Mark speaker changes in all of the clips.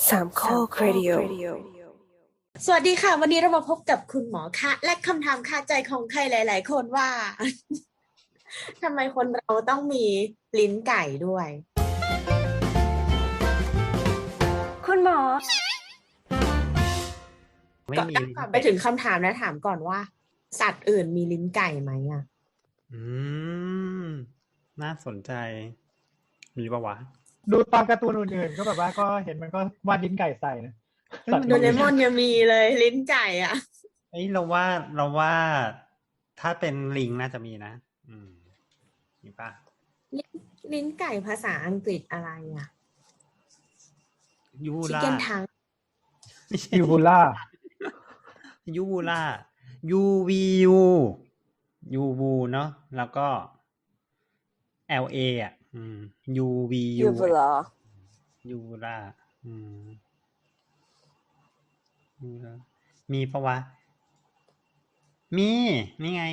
Speaker 1: สามข้อครดิโอ
Speaker 2: สวัสดีค่ะวันนี้เรามาพบกับคุณหมอคะและคำถามคาใจของใครหลายๆคนว่า ทำไมคนเราต้องมีลิ้นไก่ด้วย
Speaker 1: คุณหมอ
Speaker 3: ไม่มีลิ้น
Speaker 2: ก่อนไป
Speaker 3: ไก่
Speaker 2: ถึงคำถามนะถามก่อนว่า สัตว์อื่นมีลิ้นไก่ไหมอ่ะ
Speaker 3: อืมน่าสนใจ มีปะวะ
Speaker 4: ดูตามการ์ตูนอื่นๆก็แบบว่าก็เห็นมันก็วาดลิ้นไก่ใส่นะ
Speaker 3: เอ้ย
Speaker 4: สัต
Speaker 3: มั
Speaker 4: ว์
Speaker 3: น
Speaker 2: โด
Speaker 4: อื่
Speaker 2: เร
Speaker 4: น
Speaker 2: มอนยังมีเลยลิ้นไก่อ่ะ
Speaker 3: เอ้ยเราว่าถ้าเป็นลิงน่าจะมีนะ มีปะ
Speaker 2: ลิ้นไก่ภาษาอังกฤษอะไรอ่ะ
Speaker 3: ยู
Speaker 2: ชิค
Speaker 3: ล่า
Speaker 2: เก้นทัง
Speaker 3: ไม่ใช่
Speaker 4: ยูบูล่า
Speaker 3: ยูล่ายูวียูยูบูเนาะแล้วก็ LA อ่ะยูวียู ยูล่ายูล่ามีปะวะ มีนี่ไง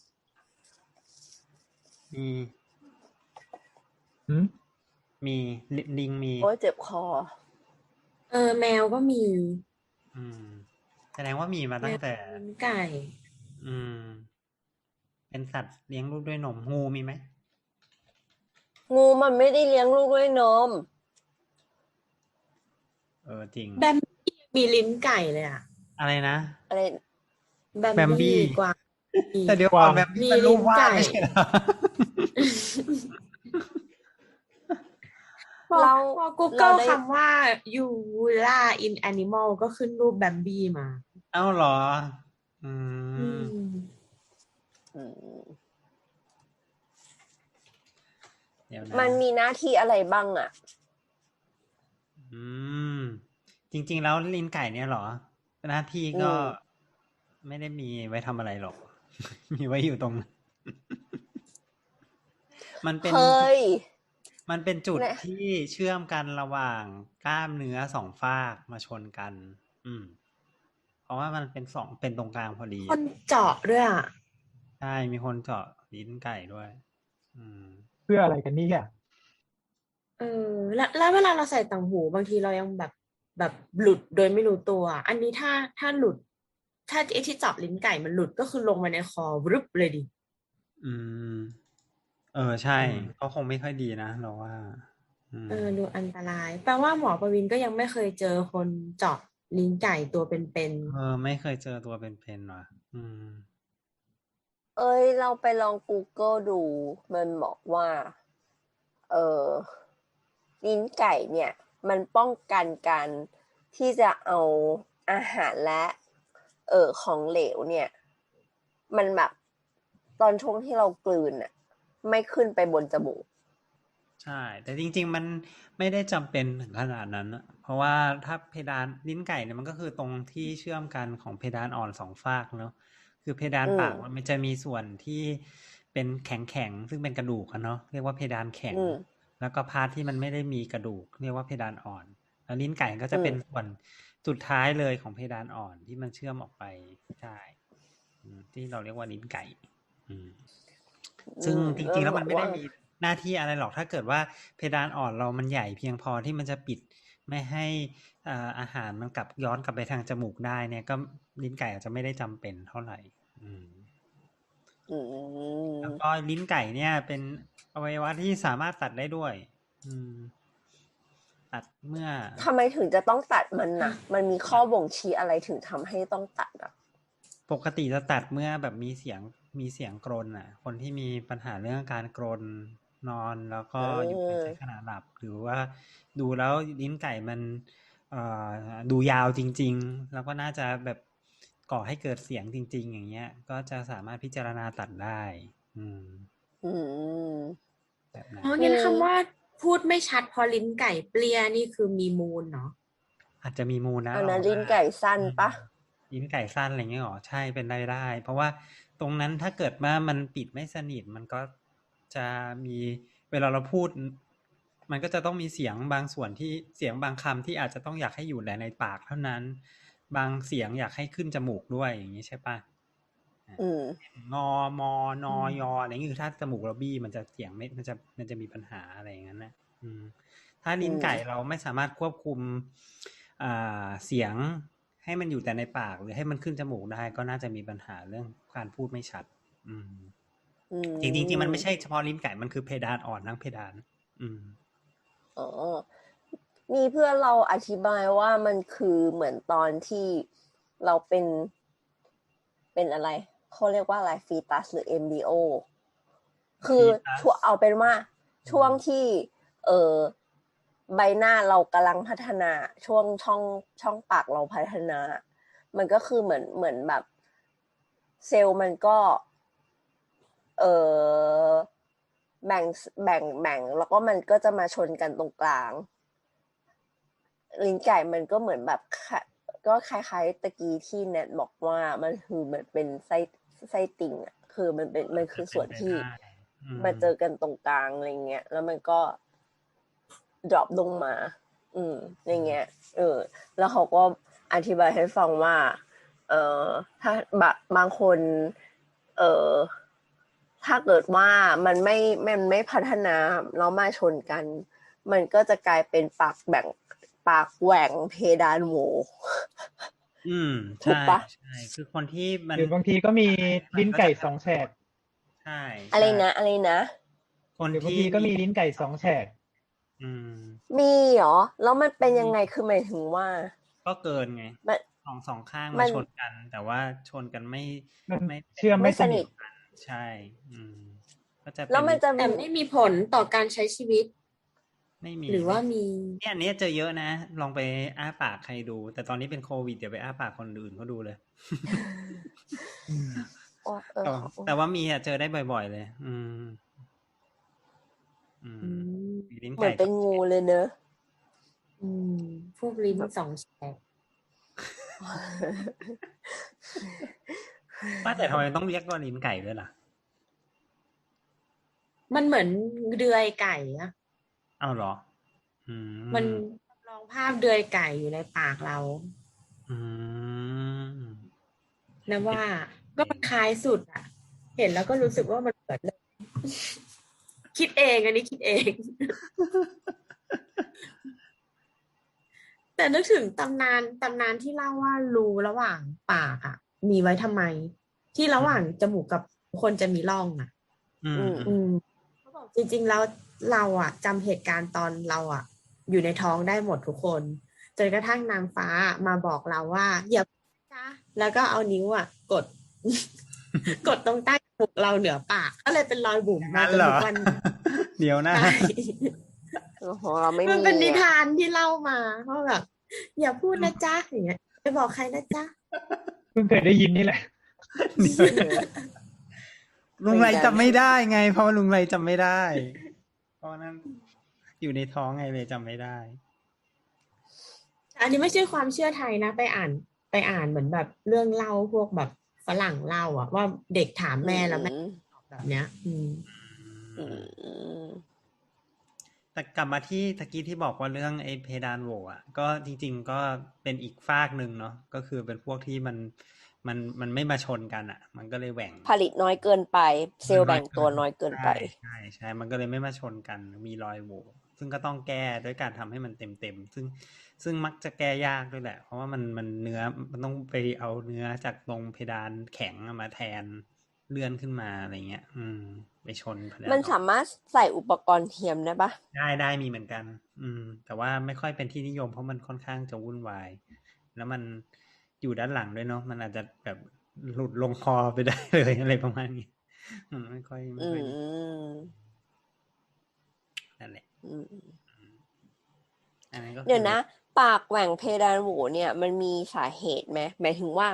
Speaker 3: มี
Speaker 4: หืม
Speaker 3: มีลิงมี
Speaker 1: โอ้ยเจ็บคอ
Speaker 2: แมวก็มี
Speaker 3: แสดงว่ามีมาตั้งแต่
Speaker 2: ลิ้นไก่
Speaker 3: เป็นสัตว์เลี้ยงลูกด้วยนมงูมีไหม
Speaker 1: งูมันไม่ได้เลี้ยงลูกด้วยนม
Speaker 3: จริง
Speaker 2: แบมบี้มีลิ้นไก่เลยอ่ะ
Speaker 3: อะไรนะ
Speaker 1: อะไร
Speaker 2: แบม
Speaker 3: แบมบี้
Speaker 2: บี้กวาง
Speaker 3: แต่เดี๋ยวก่อนแบบนี้มันรูปวาด
Speaker 2: มีลิ้นไก่
Speaker 3: ไม่ใช่เหรอ
Speaker 2: พอ
Speaker 1: เรา
Speaker 2: พอ Google
Speaker 1: เราได้
Speaker 2: คำว่า Uvula in animal ก็ขึ้นรูปแบมบี้มา
Speaker 3: เอ้าเหรอ
Speaker 2: อืม
Speaker 1: อืม
Speaker 3: เดี๋ยวนะ
Speaker 1: มันมีหน้าที่อะไรบ้างอ่ะ
Speaker 3: จริง ๆ แล้วลิ้นไก่เนี่ยเหรอ หน้าที่ก็
Speaker 1: อืม
Speaker 3: ไม่ได้มีไว้ทำอะไรหรอก มีไว้อยู่ตรงนั้น มันเป็น
Speaker 1: เฮ้ย
Speaker 3: มันเป็นจุด
Speaker 1: เนี่ย
Speaker 3: ที่เชื่อมกันระหว่างกล้ามเนื้อสองฝากมาชนกัน เพราะว่ามันเป็นตรงกลางพอดี
Speaker 2: คนเจาะด้วยอ่ะ
Speaker 3: ใช่ มีคนเจาะลิ้นไก่ด้วย
Speaker 4: เพื่ออะไรกันนี่อ่ะ
Speaker 2: แล้วเวลาเราใส่ต่างหูบางทีเรายังแบบหลุดโดยไม่รู้ตัว อันนี้ถ้าหลุด ถ้าไอ้ที่เจาะลิ้นไก่มันหลุดก็คือลงมาในคอวรึบเลยดิ
Speaker 3: ใช่ ก็คงไม่ค่อยดีนะเราว่า
Speaker 2: ดูอันตราย แปลว่าหมอประวินก็ยังไม่เคยเจอคนเจาะลิ้นไก่ตัวเป็น
Speaker 3: ไม่เคยเจอตัวเป็นๆว่ะ
Speaker 1: เอ้ย เราไปลอง Google ดู มันบอกว่า ลิ้นไก่เนี่ย มันป้องกันการที่จะเอาอาหารและ ของเหลวเนี่ย มันแบบตอนช่วงที่เรากลืนอ่ะ ไม่ขึ้นไปบนจมูก
Speaker 3: ใช่ แต่จริงๆมันไม่ได้จำเป็นถึงขนาดนั้นนะเพราะว่าถ้าเพดานลิ้นไก่เนี่ยมันก็คือตรงที่เชื่อมกันของเพดานอ่อนสองฝากเนาะคือเพดานปากมันจะมีส่วนที่เป็นแข็งๆซึ่งเป็นกระดูกอะเนาะเรียกว่าเพดานแข็ง แล้วก็พาร์ทที่มันไม่ได้มีกระดูกเรียกว่าเพดานอ่อน แล้วลิ้นไก่ก็จะเป็นส่วนสุดท้ายเลยของเพดานอ่อนที่มันเชื่อมออกไปใช่ที่เราเรียกว่าลิ้นไก่ซึ่งจริงๆแล้วมันไม่ได้มีหน้าที่อะไรหรอกถ้าเกิดว่าเพดานอ่อนเรามันใหญ่เพียงพอที่มันจะปิดไม่ให้อาหารมันย้อนกลับไปทางจมูกได้เนี่ยก็ลิ้นไก่อาจจะไม่ได้จำเป็นเท่าไหร่แล้วก็ลิ้นไก่เนี่ยเป็นอวัยวะที่สามารถตัดได้ด้วยตัดเมื่อ
Speaker 1: ทำไมถึงจะต้องตัดมันนะมันมีข้อบ่งชี้อะไรถึงทำให้ต้องตัดอ่ะ
Speaker 3: ปกติจะตัดเมื่อแบบมีเสียงกรนอ่ะคนที่มีปัญหาเรื่องการกรนนอนแล้วก็อยู่ในขณะหลับหรือว่าดูแล้วลิ้นไก่มันดูยาวจริงๆแล้วก็น่าจะแบบก่อให้เกิดเสียงจริงๆอย่างเงี้ยก็จะสามารถพิจารณาตัดได้แบบนั้น
Speaker 2: งั้นคำว่าพูดไม่ชัดพอลิ้นไก่เปรี้ยนี่คือมีมูลเนาะ
Speaker 3: อาจจะมีมูลนะ
Speaker 1: อันนั้นลิ้นไก่สั้นปะ
Speaker 3: ลิ้นไก่สั้นอะไรเงี้ยหรอใช่เป็นได้เพราะว่าตรงนั้นถ้าเกิดว่ามันปิดไม่สนิทมันก็จะมีเวลาเราพูดมันก็จะต้องมีเสียงบางส่วนที่เสียงบางคำที่อาจจะต้องอยากให้อยู่แต่ในปากเท่านั้นบางเสียงอยากให้ขึ้นจมูกด้วยอย่างนี้ใช่ปะงอมอนอยออะไรเงี้ยคือถ้าจมูกเราบี้มันจะเสียงไม่มันจะมีปัญหาอะไรอย่างนั้นนะถ้าลิ้นไก่เราไม่สามารถควบคุมเสียงให้มันอยู่แต่ในปากหรือให้มันขึ้นจมูกได้ก็น่าจะมีปัญหาเรื่องการพูดไม่ชัด อืม
Speaker 1: อื
Speaker 3: จริงๆมันไม่
Speaker 1: ม
Speaker 3: ใช่เฉพาะลิ้นไก่มันคือเพดานอ่อนทั้งเพดาน อืม
Speaker 1: อ๋อ มีเพื่อนเราอธิบายว่ามันคือเหมือนตอนที่เราเป็นอะไรเขาเรียกว่าอะไรฟีตัสหรือเอมบริโอ คือ
Speaker 3: fetus
Speaker 1: ช่วงเอาเป็นว่าช่วงที่ใบหน้าเรากำลังพัฒนาช่วงช่องปากเราพัฒนา มันก็คือเหมือนแบบเซลล์มันก็เออแบ่งแล้วก็มันก็จะมาชนกันตรงกลาง ลิ้นไก่มันก็เหมือนแบบก็คล้ายๆตะกี้ที่แนทบอกว่ามันคือเหมือนเป็นไส้ติ่งอ่ะคือมันคือส่วนที่ มาเจอกันตรงกลางอะไรเงี้ยแล้วมันก็ drop ลงมา อย่างเงี้ยแล้วเขาก็อธิบายให้ฟังว่าถ้าบางคนถ้าเกิดว่ามันไม่พัฒนาแล้วมาชนกัน มันก็จะกลายเป็นปากแหว่งเพดานโหว ถูก
Speaker 3: ใช่
Speaker 1: ปะ
Speaker 3: ใช่คือคนที่มัน
Speaker 4: หรือบางทีก็มีลิ้นไก่สองแฉก
Speaker 3: ใช่
Speaker 1: อะไร
Speaker 3: ใช่
Speaker 1: นะ
Speaker 3: คน
Speaker 4: หรือบาง
Speaker 3: ที่
Speaker 4: ทีก็มีลิ้นไก่สองแฉก
Speaker 3: อืม
Speaker 1: มีเหรอแล้วมันเป็นยังไงคือหมายถึงว่า
Speaker 3: ก็เกินไง
Speaker 1: มัน
Speaker 3: สองข้าง
Speaker 1: มั
Speaker 3: มาน ชนกัน แต่ว่าชนกันไม่
Speaker 4: มัน
Speaker 3: ไม่
Speaker 4: เชื่อม
Speaker 1: ไม่
Speaker 4: ไม่
Speaker 1: ส
Speaker 4: ส
Speaker 1: นิ
Speaker 4: นิ
Speaker 1: ท
Speaker 4: ท
Speaker 3: ใช่ ก็จะ
Speaker 1: แล้วมันจะ
Speaker 2: แต่ไม่มีผลต่อการใช้ชีวิต
Speaker 3: ไม่มี
Speaker 2: หรือว่ามี
Speaker 3: เนี่ยอันนี้เจอเยอะนะ ลองไปอ้าปากใครดู แต่ตอนนี้เป็นโควิดเดี๋ยวไปอ้าปากคนอื่นเขาดูเลย
Speaker 4: อืม
Speaker 3: แต่ว่ามีเจอได้บ่อยๆเลย มีลิ้น
Speaker 1: เหมื
Speaker 3: ไก่
Speaker 1: อนเป็นงูเลยเนอะ
Speaker 2: พวกลิ้นสองแฉก
Speaker 3: ว่าแต่ทำไมต้องเรียกว่าลิ้นไก่ด้วยล่ะ
Speaker 2: มันเหมือนเดือยไก่อะ
Speaker 3: อ้าวเหรอ
Speaker 2: มันลองภาพเดือยไก่อยู่ในปากเรา
Speaker 3: อืม
Speaker 2: นะว่าก็มันคล้ายสุดอะเห็นแล้วก็รู้สึกว่ามันเหมือนเลย คิดเองอันนี้คิดเอง แต่นึกถึงตำนานที่เล่าว่ารูระหว่างปากอะมีไว้ทำไม ที่ระหว่างจมูกกับคนจะมีร่องอะ เขาบอกจริงๆแล้วเราอะจำเหตุการณ์ตอนเราอะอยู่ในท้องได้หมดทุกคนจนกระทั่งนางฟ้ามาบอกเราว่าอย่าจ้าแล้วก็เอานิ้วอะกด กดตรงใต้จมูกเราเหนือปากก็เลยเป็นรอยบุ๋มมา
Speaker 3: งั้น
Speaker 2: จน
Speaker 3: เหร
Speaker 2: ทุ
Speaker 3: อ
Speaker 2: กวัน
Speaker 3: เดี๋ยวนะ
Speaker 2: ใช่
Speaker 1: ของเราไม่
Speaker 2: มัน
Speaker 1: มี
Speaker 2: เป็นนิ
Speaker 1: อ่ะ
Speaker 2: ทานที่เล่ามาว่าแบบอย่าพูดนะจ๊ะอย่างเงี้ยไปบอกใครนะจ๊ะ
Speaker 4: เพิ่งเคยได้ยินนี่แหละ
Speaker 3: ลุงไรจำไม่ได้ไง เพราะว่าลุงไรจำไม่ได้ เพราะนั้นอยู่ในท้องไงเลยจำไม่ได้
Speaker 2: อันนี้ไม่ใช่ความเชื่อไทยนะไปอ่านเหมือนแบบเรื่องเล่าพวกแบบฝรั่งเล่าอะว่าเด็กถามแม่แล้วแม่ตอบแบบเนี้ย
Speaker 3: แต่กลับมาที่ตะกี้ที่บอกว่าเรื่องไอ้เพดานโหว่อ่ะก็จริงๆก็เป็นอีกฟากหนึ่งเนาะก็คือเป็นพวกที่มันไม่มาชนกันอ่ะ มันก็เลยแหว่ง
Speaker 1: ผลิตน้อยเกินไป เซลล์แบ่งตัวน้อยเกินไป
Speaker 3: ใช่มันก็เลยไม่มาชนกันมีรอยโหว่ซึ่งก็ต้องแก้ด้วยการทำให้มันเต็มซึ่งมักจะแก้ยากด้วยแหละเพราะว่ามันเนื้อมันต้องไปเอาเนื้อจากตรงเพดานแข็งมาแทนเลื่อนขึ้นมาอะไรเงี้ยไปชนเพดาน
Speaker 1: มันสามารถใส่อุปกรณ์เทียมได้ปะ
Speaker 3: ได้มีเหมือนกัน แต่ว่าไม่ค่อยเป็นที่นิยมเพราะมันค่อนข้างจะวุ่นวาย แล้วมันอยู่ด้านหลังด้วยเนาะมันอาจจะแบบหลุดลงคอไปได้เลยอะไรประมาณนี้ไม่ค่อยนั่นแหละอันนั้นก็คือ
Speaker 1: เดี๋ยวนะ ปากแหว่งเพดานโหวเนี่ย มันมีสาเหตุไหมหมายถึงว่า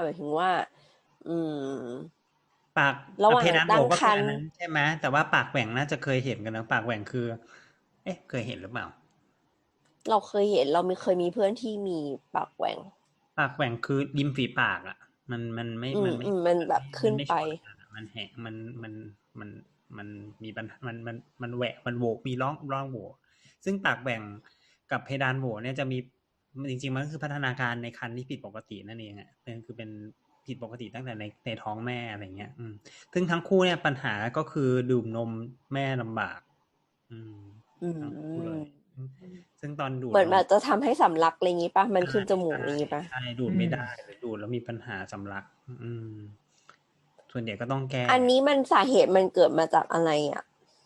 Speaker 3: ปาก
Speaker 1: ระหว่าง
Speaker 3: เพดานโห
Speaker 1: ตั้ง
Speaker 3: ก็
Speaker 1: คร
Speaker 3: คือ
Speaker 1: ร
Speaker 3: อัน
Speaker 1: ภ์
Speaker 3: นั้นใช่ไหมแต่ว่าปากแหว่งน่าจะเคยเห็นกันนะปากแหว่งคือ เคยเห็นหรือเปล่า
Speaker 1: เราเคยเห็นเราเคยมีเพื่อนที่มีปากแหว่ง
Speaker 3: ปากแหว่งคือริมฝีปากอ่ะ มันไม่
Speaker 1: มันแบบขึ้นไป
Speaker 3: มันแหกมันมีปัญหามันแหวะมันโหวมีร่องโหวซึ่งปากแหว่งกับเพดานโหวเนี่ยจะมีจริงๆมันก็คือพัฒนาการในครรภ์ที่ผิดปกตินั่นเองอ่ะคือเป็นผิดปกติตั้งแต่ในท้องแม่อะไรเงี้ยซึ่งทั้งคู่เนี่ยปัญหาก็คือดื่มนมแม่ลำบากทั้งคู่เลยซึ่งตอนดูด
Speaker 1: เหมือนแบบจะทำให้สำลักอะไรอย่างงี้ปะมันขึ้นจมูก
Speaker 3: ใช่
Speaker 1: อย่างงี้ปะ
Speaker 3: ใช่ดูดไม่ได้หรือดูดแล้วมีปัญหาสำลัก ส่วนใหญ่ก็ต้องแก้
Speaker 1: อันนี้มันสาเหตุมันเกิดมาจากอะไรอ่ะ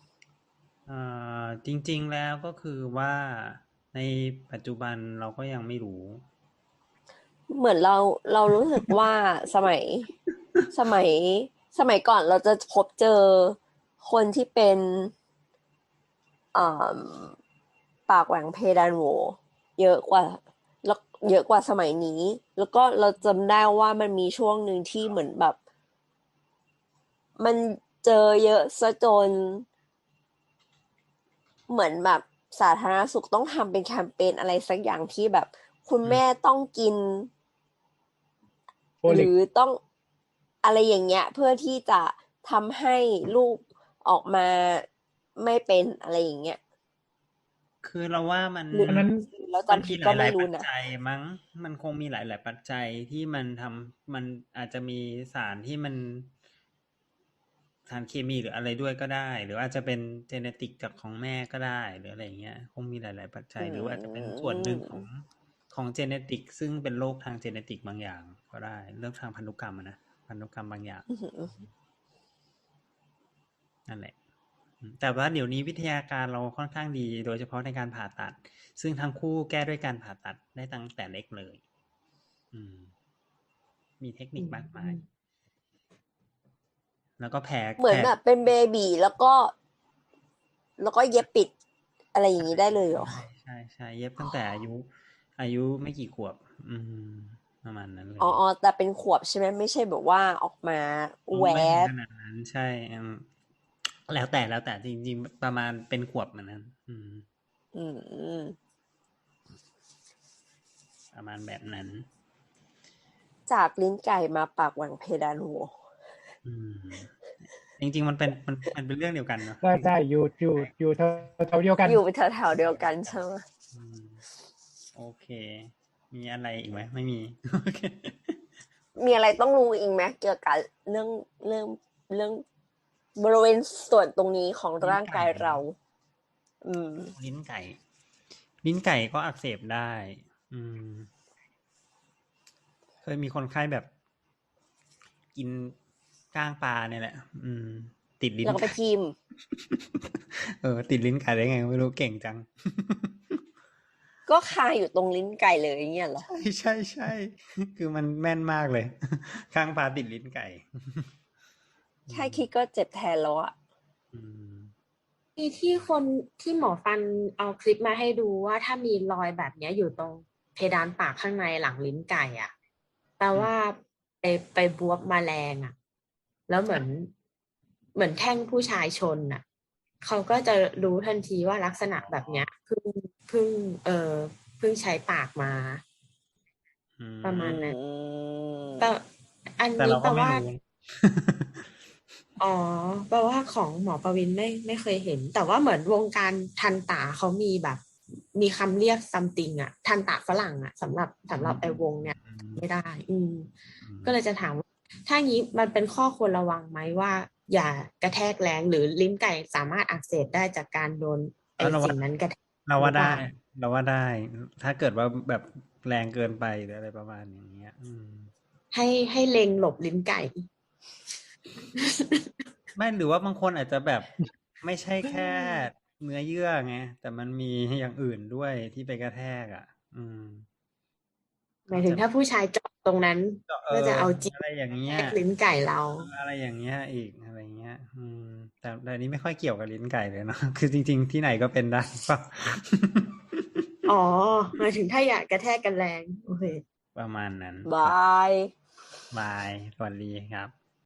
Speaker 3: จริงๆแล้วก็คือว่าในปัจจุบันเราก็ยังไม่รู้
Speaker 1: เหมือนเรารู้สึกว่าสมัย สมัยก่อนเราจะพบเจอคนที่เป็นอ่าปากแหว่งเพดานโหวเยอะกว่าแล้วเยอะกว่าสมัยนี้ แล้วก็เราจำได้ว่ามันมีช่วงหนึ่งที่เหมือนแบบ มันเจอเยอะซะจน เหมือนแบบสาธารณสุขต้องทำเป็นแคมเปญอะไรสักอย่างที่แบบ คุณแม่ต้องกิน
Speaker 4: โฟลิ
Speaker 1: ห
Speaker 4: ก
Speaker 1: รือต้องอะไรอย่างเงี้ย เพื่อที่จะทำให้ลูกออกมาไม่เป็นอะไรอย่างเงี้ย
Speaker 3: คือเราว่ามัน
Speaker 1: หรือ
Speaker 4: อันนั้น
Speaker 1: แล้ว
Speaker 3: มัน
Speaker 1: จำ
Speaker 3: มี
Speaker 1: ผิด
Speaker 3: ห
Speaker 1: ก็ไม่
Speaker 3: ลายๆ
Speaker 1: รู้
Speaker 3: ปัจ
Speaker 1: นะ
Speaker 3: จัยมั้งมันคงมีหลายๆปัจจัยที่มันทำมันอาจจะมีสารที่มันสารเคมีหรืออะไรด้วยก็ได้ หรืออาจจะเป็นเจเนติกจากของแม่ก็ได้หรืออะไรอย่างเงี้ยคงมีหลายๆปัจจัย หรือว่าอาจจะเป็นส่วนหนึ่งของเจเนติกซึ่งเป็นโรคทางเจเนติกบางอย่างก็ได้เรื่องทางพันธุกรรมนะพันธุกรรมบางอย่างนั่นแหละแต่ว่าเดี๋ยวนี้วิทยาการเราค่อนข้างดีโดยเฉพาะในการผ่าตัดซึ่งทั้งคู่แก้ด้วยการผ่าตัดได้ตั้งแต่เล็กเลยมีเทคนิคมากมายแล้วก็แผล
Speaker 1: เหมือนแบบเป็นเบบีแล้วก็เย็บปิดอะไรอย่างนี้ได้เลยเหรอ
Speaker 3: ใช่เย็บตั้งแต่อายุไม่กี่ขวบประมาณนั้นเลย
Speaker 1: อ๋อแต่เป็นขวบใช่ไหมไม่ใช่แบบว่าออกมาแว
Speaker 3: ไม่ถึง
Speaker 1: บ
Speaker 3: ขนาดนั้นใช่แล้วแต่จริงๆประมาณเป็นขวบเหมือนนั้นประมาณแบบนั้น
Speaker 1: จากลิ้นไก่มาปากแหว่งเพดานโหว
Speaker 3: จริงๆมันเป็นเรื่องเดียวกันเนาะ
Speaker 4: ได้อยู่แถวเดียวกัน
Speaker 1: อยู่แถวๆเดียวกันใช่ไหม
Speaker 3: โอเคมีอะไรอีกไหมไม่มี โอเค
Speaker 1: มีอะไรต้องรู้อีกไหมเกี่ยวกับเรื่องบริเวณส่วนตรงนี้ของร่างกายเรา
Speaker 3: ลิ้นไก่ก็อักเสบได้เคยมีคนไข้แบบกินก้างปลาเนี่ยแหละติดลิ้น
Speaker 1: แล้วก็ไปทิม
Speaker 3: ติดลิ้นไก่ได้ไงไม่รู้เก่งจัง
Speaker 1: ก็คาอยู่ตรงลิ้นไก่เลยอย่างเงี้ยเหรอ
Speaker 3: ใช่คือมันแม่นมากเลยข้างปลาติดลิ้นไก่
Speaker 1: แค่คิดก็เจ็บแทนแล้วอ่ะ
Speaker 2: ที่คนที่หมอฟันเอาคลิปมาให้ดูว่าถ้ามีรอยแบบนี้อยู่ตรงเพดานปากข้างในหลังลิ้นไก่อ่ะแปลว่าไปบวบแมลงอ่ะแล้วเหมือนแท่งผู้ชายชนอ่ะเขาก็จะรู้ทันทีว่าลักษณะแบบเนี้ยเพิ่งใช้ปากมาประมาณนั้นแต่อันนี้แปลว่าอ๋อแปลว่าของหมอประวินไม่เคยเห็นแต่ว่าเหมือนวงการทันตาเขามีแบบมีคำเรียก something อ่ะทันตาฝรั่งอ่ะสำหรับไอ้วงเนี่ยไม่ได้ก็เลยจะถามว่าถ้างี้มันเป็นข้อควรระวังไหมว่าอย่ากระแทกแรงหรือลิ้นไก่สามารถอักเสบได้จากการโดนไอ้สิ่งนั้นกระแทก
Speaker 3: เราว่าได้ถ้าเกิดว่าแบบแรงเกินไปหรืออะไรประมาณอย่างเงี้ย
Speaker 2: ให้เล็งหลบลิ้นไก่
Speaker 3: ไม่หรือว่าบางคนอาจจะแบบไม่ใช่แค่เนื้อเยื่อไงแต่มันมีอย่างอื่นด้วยที่ไปกระแทก
Speaker 2: หมายถึงถ้าผู้ชายเจาะตรงนั้นก็จะเอาจิ๊ก
Speaker 3: อะไรอย่างเงี้ย
Speaker 2: ลิ้นไก่เรา
Speaker 3: อะไรอย่างเงี้ยอีกอะไรเงี้ยแต่นี้ไม่ค่อยเกี่ยวกับลิ้นไก่เลยเนาะคือจริงๆที่ไหนก็เป็นได้ป่ะ
Speaker 2: อ๋อหมายถึงถ้าอยากกระแทกกันแรงโอเค
Speaker 3: ประมาณนั้น
Speaker 1: บาย
Speaker 3: สวัสดีครับ